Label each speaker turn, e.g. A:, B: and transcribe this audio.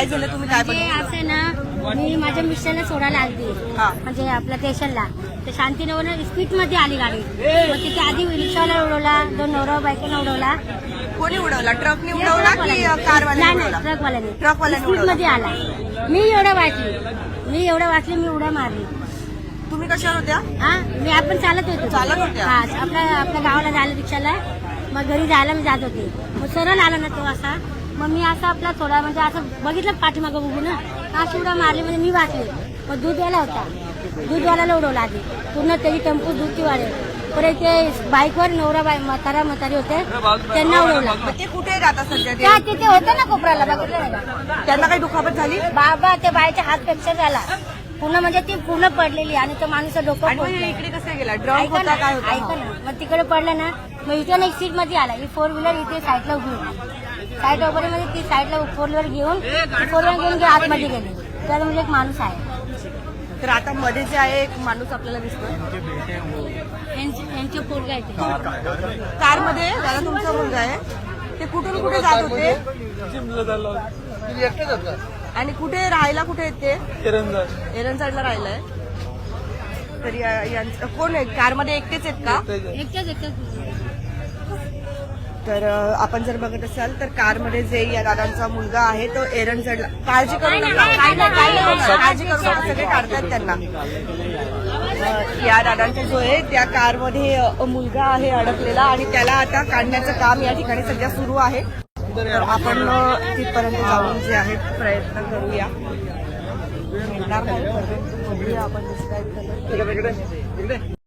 A: काय झालं, तुम्ही काय
B: म्हणजे
A: बनवलं?
B: असं ना, मी माझ्या मिस्टरला सोडायला आली
A: हा.
B: म्हणजे आपल्या स्टेशनला. तर शांतीनगर स्पीड मध्ये आली गाडी. मग तिथे आधी रिक्षावाला उडवला, दोन नवरा बायकोला उडवला.
A: कोणी उडवला? ट्रकने उडवला की कारवाल्याने उडवला?
B: ट्रकवाल्याने.
A: ट्रकवाल्याने
B: स्पीड
A: उडवला.
B: मध्ये आला. मी एवढं वाचली, मी उड्या मारली.
A: तुम्ही कशावर होत्या?
B: हा, मी आपण चालत होतो.
A: चालत होत्या?
B: हा, आपल्या गावाला जायला रिक्षाला. मग घरी जायला मी जात होते. मग सरळ आला ना तो असा. मग मी असं आपला थोडा म्हणजे असं बघितलं पाठीमागं बघू ना, अशी उड्या मारली म्हणजे मी वाचले. मग दूधवाला होता, दूधवाल्याला उडवला आधी. पूर्ण त्याची टेम्पो दूधची वाढेल. परत ते बाईकवर नवरा म्हातारी होते, त्यांना उडवला.
A: मग ते कुठे राहतात सध्या?
B: त्या तिथे होते ना कोपऱ्याला, बघितलं नाही का?
A: त्यांना काही दुखापत झाली?
B: बाबा त्या बाईच्या हात फ्रॅक्चर झाला पूर्ण, म्हणजे ती पूर्ण पडलेली आणि तो माणूस डोकं
A: आणि मग
B: फोडलं.
A: इकडे कसं गेला? ड्रम
B: ऐका
A: होता काय
B: ना, ऐका
A: होता?
B: ना, मग तिकडे पडलं ना, मग इथे एक सीट मध्ये आला. ही फोर व्हीलर इथे साईडला उभी होती. साईड वगैरे मध्ये ती साईडला फोर व्हीलर घेऊन आतमध्ये गेली. तर म्हणजे एक माणूस आहे.
A: तर आता मध्ये जे आहे एक माणूस आपल्याला दिसतो
B: यांचे पोरगा येते.
A: कार मध्ये. दादा तुमचा मुलगा आहे, ते कुठून कुठे जात होते आणि कुठे राहायला कुठे येते? एरंजाडला राहिलाय. तर यांचं कोण आहे? कारमध्ये एकटेच आहेत का?
B: एकट्याच
A: तर आपण जर बघत असाल तर कारमध्ये जे या दादांचा मुलगा आहे तो एरंजाडला. काळजी करू नका, काळजी करू नका, सगळे काढतात त्यांना. या दादांचा जो आहे त्या कारमध्ये मुलगा आहे अडकलेला आणि त्याला आता काढण्याचं काम या ठिकाणी सध्या सुरू आहे. तर आपण तिथपर्यंत जाऊन जे आहे प्रयत्न करूया. येणार नाही, परंतु बघूया आपण डिस्क्राईब करूया.